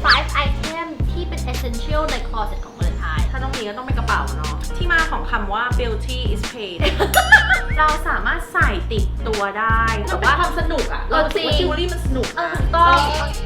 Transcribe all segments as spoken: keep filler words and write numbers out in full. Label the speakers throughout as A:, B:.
A: five item ที่เป็น essential ใน closet ของวาเลนไทน์
B: ถ้าต้องมีก็ต้องเป็นกระเป๋าเนาะที่มาของคำว่า beauty is paid เราสามารถใส่ติดตัวได้แต่ว่าความสนุกอะเรารู้สึกว่าจิวเวลรี่มันสนุก
A: เออถูกต้อง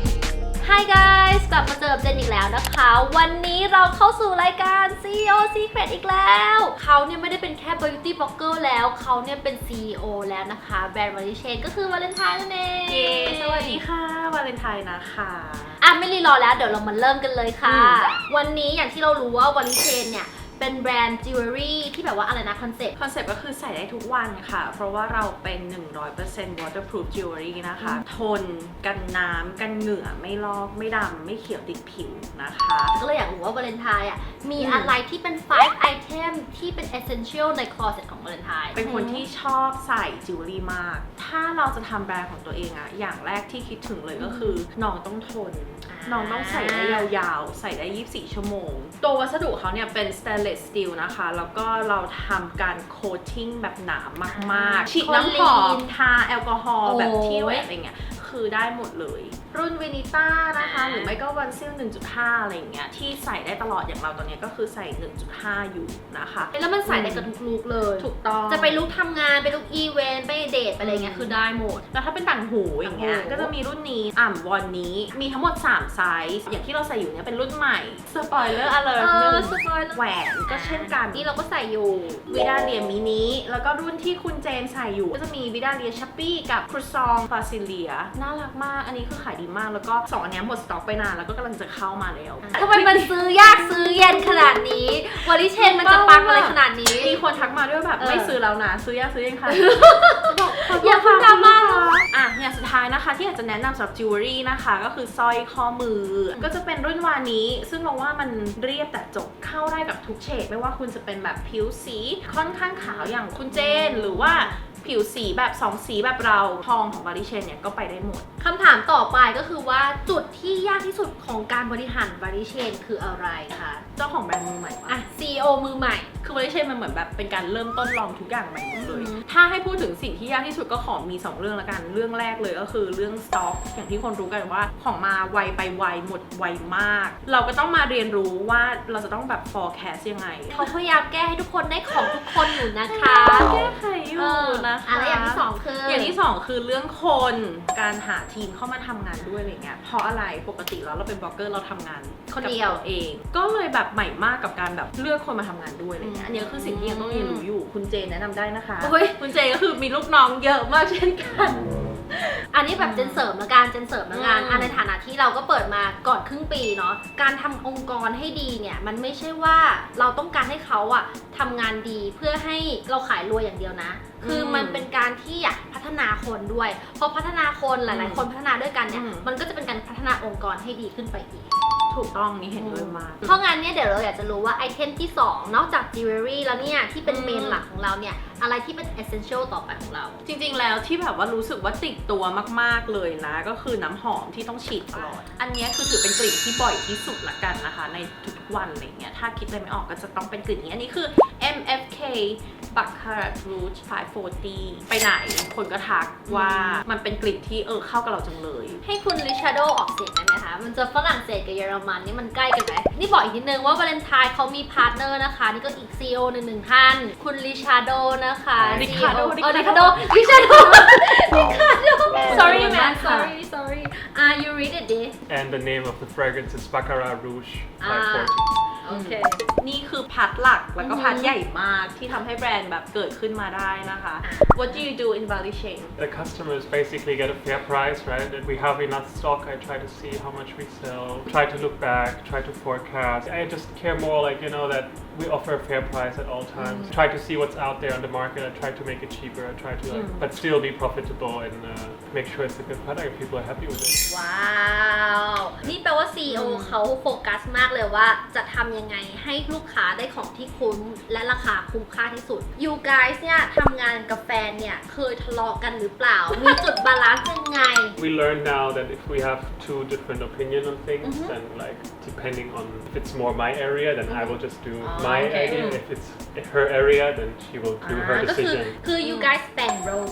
A: Hi guys กลับมาเจอกับเจนอีกแล้วนะคะ วันนี้เราเข้าสู่รายการ ซี อี โอ Secret อีกแล้วเขาเนี่ยไม่ได้เป็นแค่ beauty blogger แล้วเขาเนี่ยเป็น ซี อี โอ แล้วนะคะแบรนด์ Valley Chain ก็คือวาเลนไทน์นั่นเอง
B: เย้สวัสดีค่ะวาเลนไทน์นะคะ
A: อ่ะไม่รีรอแล้วเดี๋ยวเรามาเริ่มกันเลยค่ะ วันนี้อย่างที่เรารู้ว่า Valley Chain เนี่ยเป็นแบรนด์จิวเวลรี่ที่แบบว่าอะไรนะคอนเซ็ปต์
B: คอนเซ็ปต์ก็คือใส่ได้ทุกวันค่ะเพราะว่าเราเป็น หนึ่งร้อยเปอร์เซ็นต์ waterproof jewelry นะคะทนกันน้ำกันเหงื่อไม่ลอกไม่ดำไม่เขียวติดผิวนะคะ
A: ก็เลยอยากรู้ว่าวาเลนไทน์อ่ะมีอะไรที่เป็น five item ที่เป็น essential ใน closet ของวาเลนไทน์
B: เป็นคนที่ชอบใส่จิวเวลรี่มากถ้าเราจะทำแบรนด์ของตัวเองอะอย่างแรกที่คิดถึงเลยก็คือน้องต้องทนน้องต้องใส่ได้ยาวๆใส่ได้ยี่สิบสี่ชั่วโมงตัววัสดุเขาเนี่ยเป็น stainless steel นะคะแล้วก็เราทำการ coating แบบหนามากๆฉีดน้ำหอมทาแอลกอฮอล์แบบที่แหวนอะไรเงี้ยคือได้หมดเลยรุ่นวินิต้านะคะหรือไม่ก็วันซิล หนึ่งจุดห้า อะไรอย่างเงี้ยที่ใส่ได้ตลอดอย่างเราตอนนี้ก็คือใส่ หนึ่งจุดห้า อยู่นะคะ
A: แล้วมันใส่ได้กับทุกลุคเลย
B: ถูกต้อง
A: จะไปลุคทำงานไปลุคอีเวนต์ไปเดทไปอะไรเงี้ยคือได้หมด
B: แล้วถ้าเป็นต่างหูอย่างเงี้ยก็จะมีรุ่นนี้อ่ำวันนี้มีทั้งหมดสามไซส์อย่างที่เราใส่อยู่เนี่ยเป็นรุ่นใหม่สปอยเลอร์อเลิร์หนึ่งแหวนก็เช่นกัน
A: นี่เราก็ใส่อยู่
B: วิดาเลียมินิแล้วก็รุ่นที่คุณเจนใส่อยู่ก็จะมีวิดาเลียชัปปี้กับครูซองฟาซิเลียน่ารักมากอันนี้คือขายดีมากแล้วก็สองอันนี้หมดสต็อกไปนานแล้วก็กำลังจะเข้ามาแล้ว
A: ทำไมมันซื้อยากซื้อเย็นขนาดนี้วอลิเชนมันจะปังอะไรขนาดนี้
B: มีคนทักมาด้วยแบบไม่ซื้อแล้วนะซื้อยากซื้อยังคะ
A: อย่าพูดดราม่า
B: อ่ะอย่างสุดท้ายนะคะที่อยากจะแนะนำสำหรับจิวเวลรี่นะคะก็คือสร้อยข้อมือก็จะเป็นรุ่นวานี้ซึ่งเราว่ามันเรียบแต่จบเข้าได้กับทุกเฉดไม่ว่าคุณจะเป็นแบบผิวสีค่อนข้างขาวอย่างคุณเจนหรือว่าผิวสีแบบสองสีแบบเราทองของ Valley Chain เนี่ยก็ไปได้หมด
A: คำถามต่อไปก็คือว่าจุดที่ยากที่สุดของการบริหาร Valley Chain คืออะไรคะ
B: เจ้าของแบรนด์มือใหม่
A: อ่ะ ซี อี โอ มือใหม่
B: คือ Valley Chain มันเหมือนแบบเป็นการเริ่มต้นลองทุกอย่างใหม่หมดเลยถ้าให้พูดถึงสิ่งที่ยากที่สุดก็ขอมีสองเรื่องละกันเรื่องแรกเลยก็คือเรื่องสต็อกอย่างที่คนรู้กันว่าของมาไวไปไวหมดไวมากเราก็ต้องมาเรียนรู้ว่าเราจะต้องแบบ forecast ยังไง
A: เขาพยายามแก้ให้ทุกคนได้ของทุกคนอยู่นะคะ
B: แก้ไขอยู่นะคะ
A: อะไรอย่างที่สองคือ
B: อย่างที่สองคือเรื่องคนการหาทีมเข้ามาทำงานด้วยอะไรเงี้ยเพราะอะไรปกติแล้วเราเป็นบล็อกเกอร์เราทำงาน
A: คนเดียว
B: เองก็เลยแบบใหม่มากกับการแบบเลือกคนมาทำงานด้วยอะไรเงี้ยอันนี้ก็คือสิ่งที่ยังต้องเรียนรู้อยู่คุณเจนแนะนำได้นะคะคุณเจนก็คือมีลูกน้องเยอะมากเช่นกัน
A: อันนี้แบบเจนเสริมละกันเจนเสริมละกันในฐานะที่เราก็เปิดมาก่อนครึ่งปีเนาะการทำองค์กรให้ดีเนี่ยมันไม่ใช่ว่าเราต้องการให้เขาอะทำงานดีเพื่อให้เราขายรวยอย่างเดียวนะคือมันเป็นการที่อยากพัฒนาคนด้วยพอพัฒนาคนหลายๆคนพัฒนาด้วยกันเนี่ยมันก็จะเป็นการพัฒนาองค์กรให้ดีขึ้นไปอีก
B: ถูกต้องนี่เห็นด้วยมาก
A: เพราะงั้นเนี่ยเดี๋ยวเราอยากจะรู้ว่าไอเทมที่สองนอกจากจิวเวลรี่แล้วเนี่ยที่เป็นเมนหลักของเราเนี่ยอะไรที่เป็น essential ต่อไปของเรา
B: จริงๆแล้วที่แบบว่ารู้สึกว่าติดตัวมากๆเลยนะก็คือน้ำหอมที่ต้องฉีดตลอดอันนี้คือถือเป็นกลิ่นที่บ่อยที่สุดละกันนะคะในทุกๆวันอะไรเงี้ยถ้าคิดอะไรไม่ออกก็จะต้องเป็นกลิ่นนี้อันนี้คือ เอ็ม เอฟ เค Baccarat Rouge ห้าร้อยสี่สิบไปไหนคนก็ทักว่ามันเป็นกลิ่นที่เออเข้ากับเราจังเลย
A: ให้คุณริชาร์โดออกเสียงได้ไหมคะมันจะฝรั่งเศสกับเยอรมันนี่มันใกล้กันไหมนี่บอกอีกนิดนึงว่าวาเลนไทน์เขามีพาร์ทเนอร์นะคะนี่ก็อีก ซี อี โอ หนึ่งหนึ่งท่านคุณริชาร์โดนะคะ
B: ริคาร์โด
A: ริคาร์โดริชาร์โดริคาร์โด sorry man sorry sorry ah you read it this
C: and the name of the fragrance is Baccarat Rouge ห้าร้อยสี่สิบ
A: โอเค
B: นี่คือพาร์ทหลักแล้วก็พาร์ทใหญ่มากที่ทำให้แบรนด์แบบเกิดขึ้นมาได้นะคะ What do you do in Valley Chain?
C: The customers basically get a fair price, right? If we have enough stock, I try to see how much we sell, try to look back, try to forecast. I just care more like, you know, that we offer a fair price at all times. Mm. Try to see what's out there on the market. I try to make it cheaper. I try to like, mm. but still be profitable and uh, make sure it's a good product and people are happy with it.
A: ว้าวนี่แปลว่า ซี อี โอ เขาโฟกัสมากเลยว่าจะทำยังไงให้ลูกค้าได้ของที่คุ้มและราคาคุ้มค่าที่สุด You guys เนี่ยทำงานกับแฟนเนี่ยเคยทะเลาะกันหรือเปล่า มีจุดบาลานซ์ยังไง
C: We learn now that if we have two different opinion on things, mm-hmm. then like depending on if it's more my area, then mm-hmm. I will just do oh, my idea. If it's her area, then she will do her decision.
A: คือ you guys แบ่งโรกัน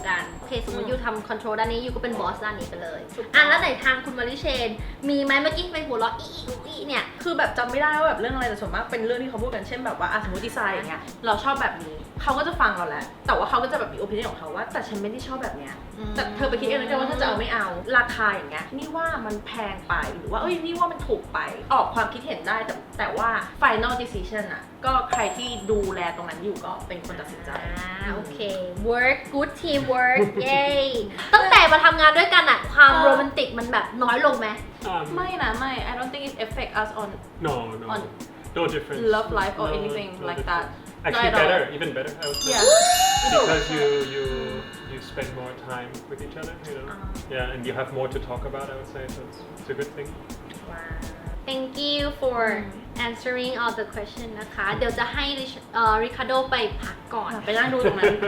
A: เคสมมติยูทำคอนโทรลด้านนี้ยูก็เป็นบอสด้านนี้ไปเลย
B: ถูกต้อง
A: อ่ะแล้วไหนทางคุณมาริเชนมีไหมเมื่อกี้ไปหัวเราะอีอีอีเนี่ย
B: คือแบบจำไม่ได้ว่าแบบเรื่องอะไรแต่ส่วนมากเป็นเรื่องที่เขาพูดกันเช่นแบบว่าอ่ะสมมติดีไซน์อย่างเงี้ยเราชอบแบบนี้เขาก็จะฟังเราแหละแต่ว่าเขาก็จะแบบมีโอปิเนียนของเขาว่าแต่ฉันไม่ได้ชอบแบบเนี้ยแต่เธอไปคิดเองแล้วกันว่าเธอจะเอาไม่เอาราคาอย่างเงี้ยนี่ว่ามันแพงไปหรือว่าเอ้ยนี่ว่ามันถูกไปออกความคิดเห็นได้แต่แต่ว่า final decision อ่ะก็ใครที่ดูแลตรงนั้นอยู่ก็เป็นคนตัดสินใจ
A: อ่าโอเค work good team work เย้ตั้งแต่มาทำงานด้วยกันอะความโรแมนติกมันแบบน้อยลงไหม
C: Um,
B: ไม่นะไม่ I don't think it affect us on
C: no, no,
B: on
C: no difference.
B: love life or
C: No,
B: anything
C: no
B: like
C: difference.
B: that.
C: Actually,
B: Not at all.
C: better, even better. I would say.
B: Yeah.
C: Because you you you spend more time with each other, you know.
B: Uh.
C: Yeah, and you have more to talk about. I would say so. It's, it's a good thing.
A: Thank you for answering all the question นะคะ เดี๋ยวจะให้ริคาโดไปพักก่อน
B: ไปนั่งดูตรงนั้น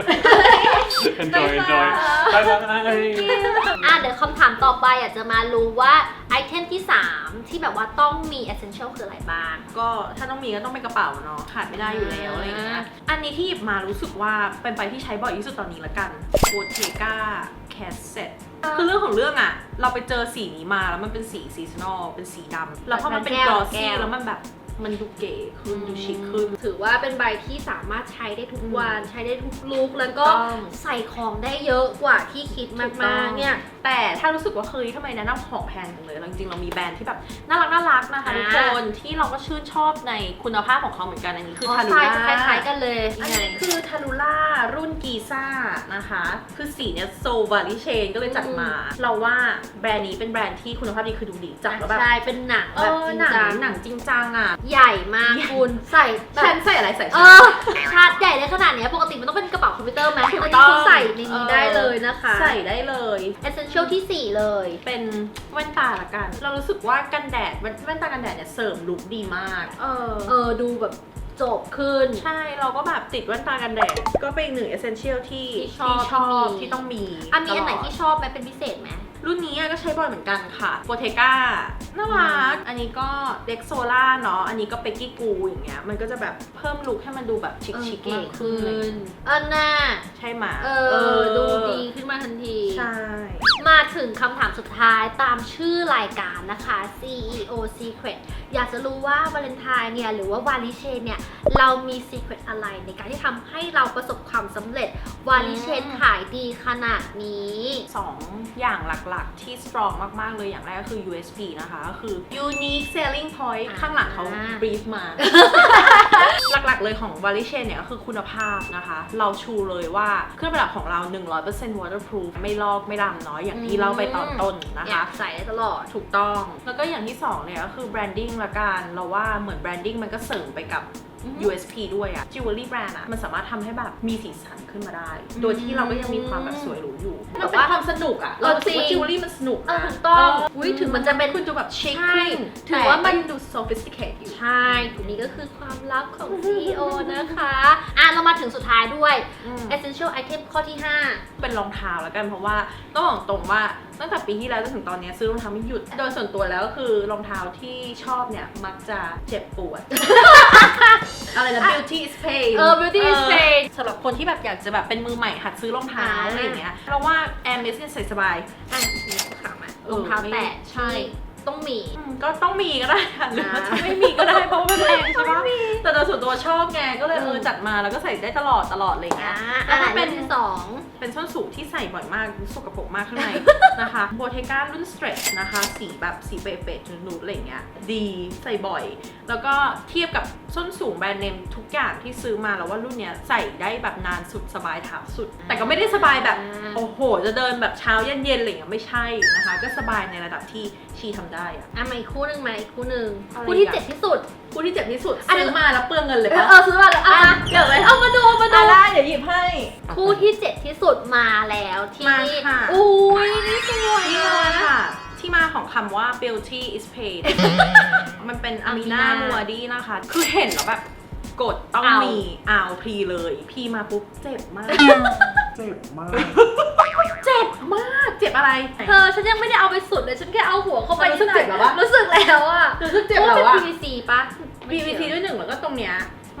C: enjoy, enjoy. Bye bye.
A: อ่ะเดี๋ยวคำถามต่อไปอยากจะมารู้ว่าไอเทมที่สามที่แบบว่าต้องมี essential คืออะไรบ้าง
B: ก็ถ้าต้องมีก็ต้องเป็นกระเป๋าเนาะขาดไม่ได้อยู่แล้วอะไรอย่างเงี้ยอันนี้ที่หยิบมารู้สึกว่าเป็นไปที่ใช้บ่อยที่สุดตอนนี้ละกัน Bottega Cassette คือเรื่องของเรื่องอะเราไปเจอสีนี้มาแล้วมันเป็นสีซีซันอลเป็นสีดำแล้วพอมันเป็น
A: แก้ว
B: กลอ
A: แก้
B: ซี่
A: ว
B: แล้วมันแบบมันดูเก๋ขึ้นดูชิคขึ้น
A: ถือว่าเป็นใบที่สามารถใช้ได้ทุกวันใช้ได้ทุกลุคแล้วก็
B: ถูกต้อง
A: ใส่ของได้เยอะกว่าที่คิดมากๆเนี่ย
B: แต่ถ้ารู้สึกว่าเฮ้ยทำไมแนะนำของแพงจังเลยจริงๆเรามีแบรนด์ที่แบบน่ารักน่ารักนะคะ
A: อ่า
B: ทุกคนที่เราก็ชื่นชอบในคุณภาพของเขาเหมือนกันอันนี้คือ
A: อ๋อ
B: ทารู
A: ใช่
B: ล่า
A: จะคล้ายๆกันเลย
B: อันนี้คือทารูล่ารุ่นกีซ่านะคะ คือสีเนี้ยโซวาริเชนก็เลยจัดมา เราว่าแบรนด์นี้เป็นแบรนด์ที่คุณภาพดีคือดูดีจับแล้วแบบ
A: ใช่เป็นหนัง
B: เอ
A: แบบ
B: อ
A: จริง
B: หนัง
A: จัง
B: หนังจริงจังอ่ะ
A: ใหญ่มากคุณใส่แบ
B: ฉั
A: บ
B: นใส่อะไรใส่
A: เอ
B: ฉัน
A: อชาร์จใหญ่ได้ขนาดเนี้ยปกติมันต้องเป็นกระเป๋าคอมพิวเตอร์ไหม
B: ถูก
A: อัน
B: ต้
A: นี้
B: อง
A: คือใส่ในนี้ได้เลยนะคะ
B: ใส่ได้เลย
A: essential ที่สี่เลย
B: เป็นแว่นตาละกัน เรารู้สึกว่ากันแดดแว่นแว่นตากันแดดเนี่ยเสริมลุคดีมาก เออ
A: เออดูแบบจบขึ้น
B: ใช่เราก็แบบติดแว่นตากันแดด ก็เป็นอีกหนึ่ง essential ที่
A: ที่ชอบ
B: ชอบ
A: ที่มี
B: ที่ต้องมี
A: อ่ะมีอันไหน
B: ตลด
A: ที่ชอบไหมเป็นพิเศษไหม
B: รุ่นนี้ก็ใช้บ่อยเหมือนกันค่ะโ o เทก้าน่ารัก อันนี้ก็เด็กโซล่าเนาะ อันนี้ก็เปกกี้กูอย่างเงี้ย มันก็จะแบบเพิ่มลุคให้มันดูแบบชิคชิคๆมากขึ้น
A: อันน่า
B: ใช่ไหม
A: เออ ดูดีขึ้นมาทันที
B: ใช่
A: มาถึงคำถามสุดท้ายตามชื่อรายการนะคะ ซี อี โอ Secret อยากจะรู้ว่าวาเลนไทน์เนี่ยหรือว่าวาลิเชนเนี่ยเรามี secret อะไรในการที่ทำให้เราประสบความสำเร็จวาลิเชนขายดีขนาดนี้
B: สองอย่างหลักๆที่ strong มากๆเลยอย่างแรกก็คือ ยู เอส พี นะคะ ก็คือ unique selling point
A: อ่า
B: ข้างหลังเขา brief มา หลักๆเลยของ v a l i c h a i n เนี่ยก็คือคุณภาพนะคะ เราชูเลยว่าเครื่องประดับของเรา หนึ่งร้อยเปอร์เซ็นต์ waterproof ไม่ลอกไม่ดำเนาะอย่างที่เล่าไปตอนต้นนะ
A: อยา
B: คะ
A: กใส่ได้ตลอด
B: ถูกต้อง แล้วก็อย่างที่สองเนี่ยก็คือ branding ละกัน เราว่าเหมือน branding มันก็เสริมไปกับ ยู เอส พี ด้วยอะ jewelry brand อะมันสามารถทำให้แบบมีสีสันขึ้นมาได้ โดยที่เราก็ยังมีความแบบสวยหรูอยู่
A: แต่
B: มัน
A: ว่า
B: เป็นความสนุกอะเรารู้สึกว่า jewelry มันสนุก
A: เออ
B: นะ
A: ถูกต้อง
B: เ
A: อุ๊ยถึงมันจะเป็น
B: คุณดูแบบ chic
A: ใช่
B: ขึ้น
A: ถือว่ามัน
B: แต่ก็ยังดู sophisticated อยู่
A: ใช่อันนี้ก็คือความลับของ ซี อี โอ นะคะ อ่ะเรามาถึงสุดท้ายด้วย
B: อืม
A: essential item ข้อที่ห้า
B: เป็นรองเท้าแล้วกันเพราะว่าต้องบอกตรงว่าตั้งแต่ปีที่แล้วจนถึงตอนนี้ซื้อรองเท้าไม่หยุด โดยส่วนตัวแล้วก็คือรองเท้าที่ชอบเนี่ยมักจะเจ็บปวด อะไรนะ beauty is pain
A: เออ beauty is pain
B: สำหรับคนที่แบบอยากจะแบบเป็นมือใหม่หัดซื้อรองเท้า
A: อ่า
B: อะไรอย่างเงี้ยเราว่า Air Max เนี่ยใส่สบาย
A: อ่ะนี่ถามอ่ะ
B: เออ
A: รองเท้าแตะ
B: ใช่
A: ที่ต้องมี
B: อืมก็ต้องมีก็ได้ค่ะหรือว่า
A: อ่า
B: จะไม่มีก็ได้เพราะว่ามันแพงใช่ปะแต่โดยส่วนตัวชอบไงก็เลยเออ
A: ม
B: จัดมาแล้วก็ใส่ได้ตลอดตลอดอะไรอย่างเงี้
A: อ่ะ
B: ย
A: อัน
B: แล้ว
A: ไหน
B: ก็เป็
A: เป็น นที่สอง
B: เป็นส้นสูงที่ใส่บ่อยมากสกปรกมากข้างใน นะคะโบเทก้ารุ่น stretch นะคะ สีแบบสีเป๊ะๆนูดๆอะไรอย่างเงี้ยดีใส่บ่อย แล้วก็เทียบกับส้นสูงแบรนด์เนมทุกอย่างที่ซื้อมาแล้วว่ารุ่นเนี้ยใส่ได้แบบนานสุดสบายเท้าสุด แต่ก็ไม่ได้สบายแบบ โอ้โห จะเดินแบบเช้าเย็นๆอะไรอย่างเงี้ยไม่ใช่นะคะ ก็สบายในระดับที่ชีทำได้อะ
A: อ่ะมาอีกคู่หนึ่งมาอีกคู่หนึ่ง
B: อะไร
A: คู่ที่
B: อ่ะ
A: เจ็ดที่สุด
B: คู่ที่เจ็บที่สุด
A: อันนี้
B: ซื้อมาแล้วเปลืองเงินเลย
A: เออ
B: ปะ
A: เออซื้อมาเลยเอามา
B: เดี๋ยวเลย
A: เอามาดูเอามาดู
B: อ่ะได้เดี๋ยวหยิบให้
A: คู่ที่เจ็ดที่สุดมาแล้วที่
B: มาค่ะ
A: อุ้ยนี่สวย
B: นี่เลยค่ะ ที่มาของคำว่า beauty is paid มันเป็นอามินามัวดีนะคะ คือเห็นแล้วแบบกดต้องมีเอาพรีเลย พีมาปุ๊บเจ็บมาก
C: เจ็บมาก
B: เจ็บมาก เจ็บอะไร
A: เธอฉันยังไม่ได้เอาไปสุดเลยฉันแค่เอาหัวเข้าไป
B: รู้สึกเจ็บแล้ววะ
A: รู้สึกแล้วอะ
B: รู้สึกเจ็บ
A: พ
B: แล้ว
A: ราะ
B: วะ
A: มันเป็น พี วี ซี ปะ
B: พี วี ซี ด้วยหนึ่งแล้วก็ตรงเนี้ย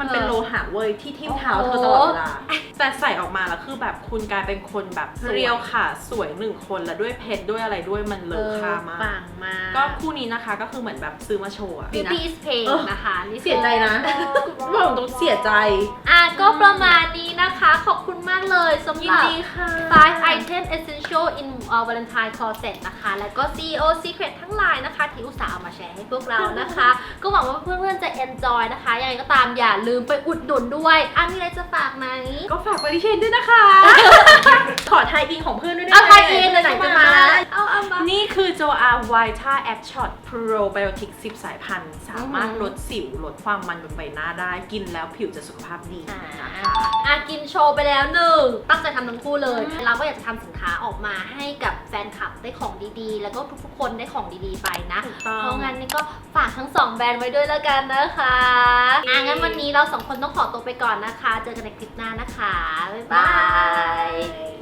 B: มันเป็น
A: เออ
B: โลหะเว้ยที่ทิ่มเท้า
A: โอ้
B: เธ
A: โห
B: อตลอดเวลา แต่ใส่ออกมาแล้วคือแบบคุณกลายเป็นคนแบบ
A: สวย
B: เรียวค่ะสวยหนึ่งคนแล้วด้วยเพชรด้วยอะไรด้วยมันเลอค่ามาก
A: ปังมาก
B: ก็คู่นี้นะคะก็คือเหมือนแบบซื้อมาโชว์อะ
A: Beauty is Pain
B: เออ
A: นะคะนี่
B: เสียใจนะบอกตรงเสียใจ
A: อ่ะก็ประมาณนี้นะคะ ขอบคุณมากเลยสำห
B: ยิน
A: รับ
B: ดีค่ะ
A: five item essential in uh, Valentine closet นะคะ แล้วก็ ซี อี โอ Secret ทั้งหลายนะคะ ที่อุตส่าห์เอามาแชร์ให้พวกเรานะคะ ก็หวังว่าเพื่อนๆจะ enjoy นะคะ ยังไงก็ตามอย่าลืมไปอุดหนุนด้วยอ่ะมีอะไรจะฝากไหม
B: ก็ฝากบริเชนด้วยนะคะ ขอไทยอินของเพื่อนด้วยได้
A: เอา
B: ไหม
A: ใครเองเลยไหนจะมาเอาเอามา
B: นี่คือ โจ อาร์ Vita Act Shot Probiotic สิบ สายพันธุ์ สามารถ
A: อือหือ
B: ลดสิวลดความมันบนใบหน้าได้ กินแล้วผิวจะสุขภาพดี
A: อ่า
B: นะคะ
A: อ่ะกินโชว์ไปแล้วหนึ่งตั้งใจทำทั้งคู่เลย เราก็อยากจะทำสินค้าออกมาให้กับแฟนคลับได้ของดีๆ แล้วก็ทุกๆคนได้ของดีๆไปนะ
B: ถูกต้อง
A: เพราะงั้นนี่ก็ฝากทั้งสองแบรนด์ไว้ด้วยแล้วกันนะคะอ่ะงั้นวันนี้เราสองคนต้องขอตัวไปก่อนนะคะ เจอกันในคลิปหน้านะคะ บ๊ายบาย